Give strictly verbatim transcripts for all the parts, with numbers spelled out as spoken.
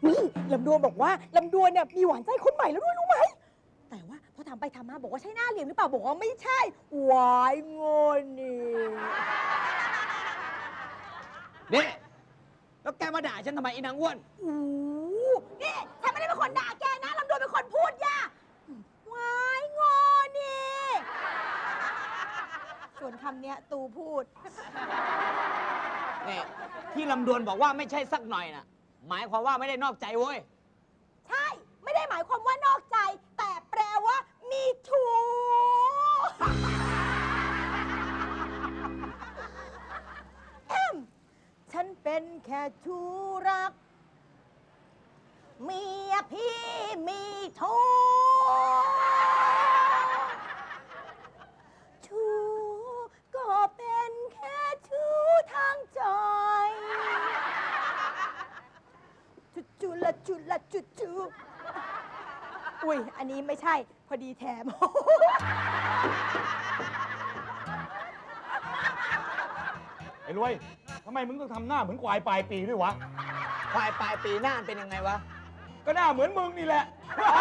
ยลำดวนบอกว่าลำดวนเนี่ยมีหวานใจคนใหม่แล้วด้วยรู้ไหมแต่ว่าพอถามไปถามมาบอกว่าใช่หน้าเหลี่ยมหรือเปล่าบอกว่าไม่ใช่หวายงอนนี่นี่แล้วแกมาด่าฉันทำไมอีนางอ้วนอู้นี่ฉันไม่ได้เป็นคนด่าแกนะลำดวนเป็นคนพูดย่าหวายงอนนี่ส่วนคำเนี้ยตูพูดนี่ที่ลำดวนบอกว่าไม่ใช่สักหน่อยน่ะหมายความว่าไม่ได้นอกใจเว้ยใช่ไม่ได้หมายความว่านอกใจแต่แปลว่ามีชู้แอมฉันเป็นแค่ชู้รักเมียพี่มีชู้ชู้ก็เป็นแค่ชู้ทางใจจุจุละจุละจุจุอุ้ยอันนี้ไม่ใช่พอดีแถมไอ้รวยทำไมมึงต้องทำหน้าเหมือนควายปลายปีด้วยวะควายปลายปีหน้าเป็นยังไงวะก็หน้าเหมือนมึงนี่แหละ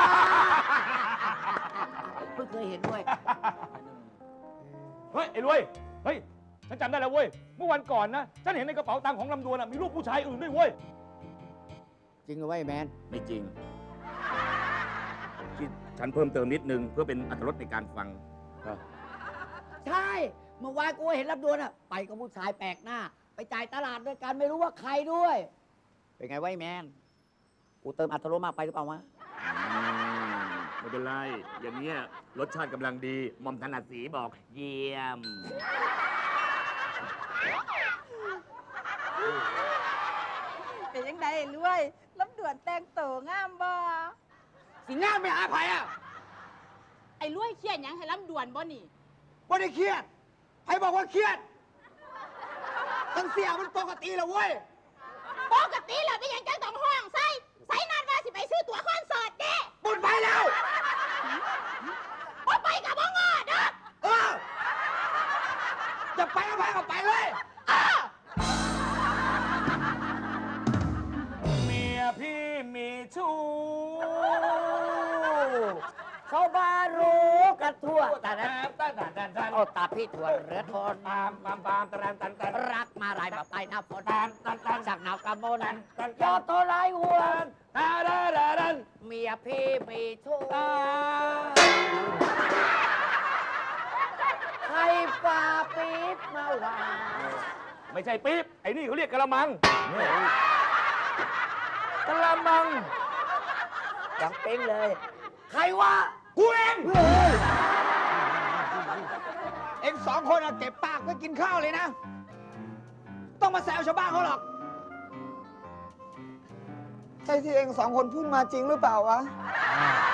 เพิ่งเคยเห็นด้วยเฮ้ยไอ้รวยเฮ้ยฉันจำได้แล้วเว้ยเมื่อวันก่อนนะฉันเห็นในกระเป๋าตังค์ของลำดวนมีรูปผู้ชายอื่นด้วยเว้ยจริงเหรอวะไอ้แมนไม่จริงที่ฉันเพิ่มเติมนิดนึงเพื่อเป็นอรรถรสในการฟังใช่เมื่อวานกูเห็นลำดวนอะไปกับผู้ชายแปลกหน้าไปจ่ายตลาดด้วยกันไม่รู้ว่าใครด้วยเป็นไงวะไอ้แมนกูเติมอรรถรสมากไปหรือเปล่าวะไม่เป็นไรอย่างเงี้ยรสชาติกำลังดีหม่อมถนัดสีบอกเยี่ยมเป็นยังไงรวยลำดวนแต่งตัวงามบ่สิงามไปหาไผอ่ะไอ้รวยเครียดยังให้ลำดวนบ่นี่บ่ได้เครียดไผบอกว่าเครียดตั้งเสียมันปกติแล้วเว้ยปกติแล้วเป็นยังจังต้องห้องใส่ใส่นัดว่าสิไปซื้อตั๋วคอนเสิร์ตเด้บุญไปแล้วบ่ไปกับบ่งอเด้อเออจะไปก็ไปก็ไปเลยเมียพี่มีชู้เขาบารู้กันทั่วแต่นั้นเอาตาพี่ถั่วเรือทนตามตามตามตามตามตามรักมาลายแบบไปหน้าฝนตามตามตามสักหนาวกำมนันยอดโทรายหัวตาดาดาดันเมียพี่มีชู้ใครฝ่าปี๊บมาว่าไม่ใช่ปี๊บไอ้นี่เขาเรียกกะละมังกะละมังยังเป้งเลยใครวะกูเองเอ็งสองคนเก็บปากไว้กินข้าวเลยนะต้องมาแซวชาวบ้านเขาหรอกใช่ที่เอ็งสองคนพูดมาจริงหรือเปล่าวะ